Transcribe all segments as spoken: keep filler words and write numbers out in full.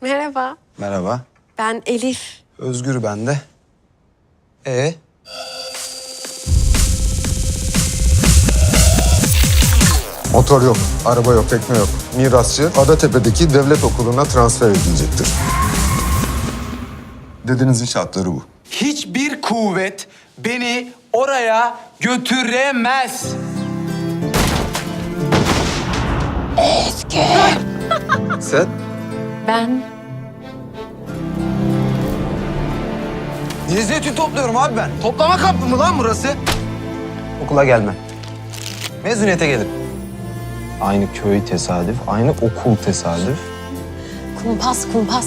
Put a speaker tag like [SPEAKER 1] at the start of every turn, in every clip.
[SPEAKER 1] Merhaba,
[SPEAKER 2] Merhaba.
[SPEAKER 1] ben Elif.
[SPEAKER 2] Özgür ben de. Ee?
[SPEAKER 3] Motor yok, araba yok, tekne yok. Mirasçı Adatepe'deki devlet okuluna transfer edilecektir. Dedenizin şartları bu.
[SPEAKER 2] Hiçbir kuvvet beni oraya götüremez. Sen?
[SPEAKER 1] Ben
[SPEAKER 2] Niye zeytin topluyorum abi ben? Toplama kampı mı lan burası? Okula gelmem. Mezuniyete gelirim.
[SPEAKER 4] Aynı köy tesadüf, aynı okul tesadüf.
[SPEAKER 1] kumpas kumpas.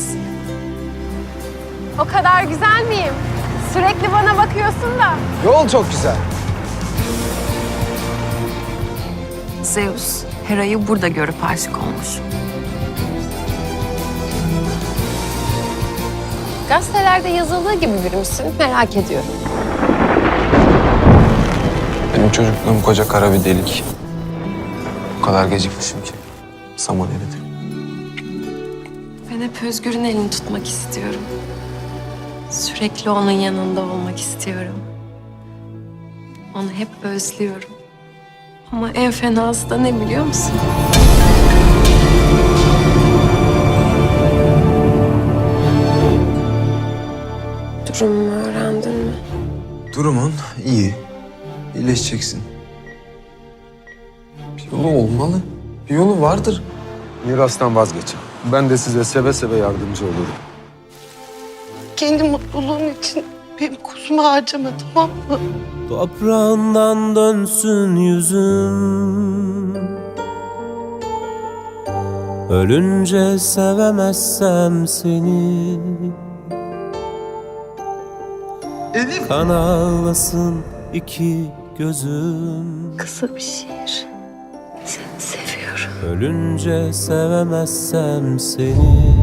[SPEAKER 1] O kadar güzel miyim? Sürekli bana bakıyorsun da.
[SPEAKER 2] Yol çok güzel.
[SPEAKER 5] Zeus, Hera'yı burada görüp aşık olmuş.
[SPEAKER 1] Gazetelerde yazıldığı gibi biri misin? Merak ediyorum.
[SPEAKER 4] Benim çocukluğum koca kara bir delik. O kadar gecikmişim ki. Saman eridi.
[SPEAKER 5] Ben hep Özgür'ün elini tutmak istiyorum. Sürekli onun yanında olmak istiyorum. Onu hep özlüyorum. Ama en fenası da ne biliyor musun?
[SPEAKER 1] Durumumu öğrendin mi?
[SPEAKER 4] Durumun iyi. İyileşeceksin. Bir yolu olmalı. Bir yolu vardır.
[SPEAKER 3] Mirastan vazgeçin. Ben de size seve seve yardımcı olurum.
[SPEAKER 6] Kendi mutluluğun için benim kuzumu harcama, tamam mı?
[SPEAKER 7] Toprağından dönsün yüzüm. Ölünce sevemezsem seni.
[SPEAKER 2] Elif.
[SPEAKER 7] Kan ağlasın iki gözüm.
[SPEAKER 1] Kısa bir şiir. Seni seviyorum.
[SPEAKER 7] Ölünce sevemezsem seni.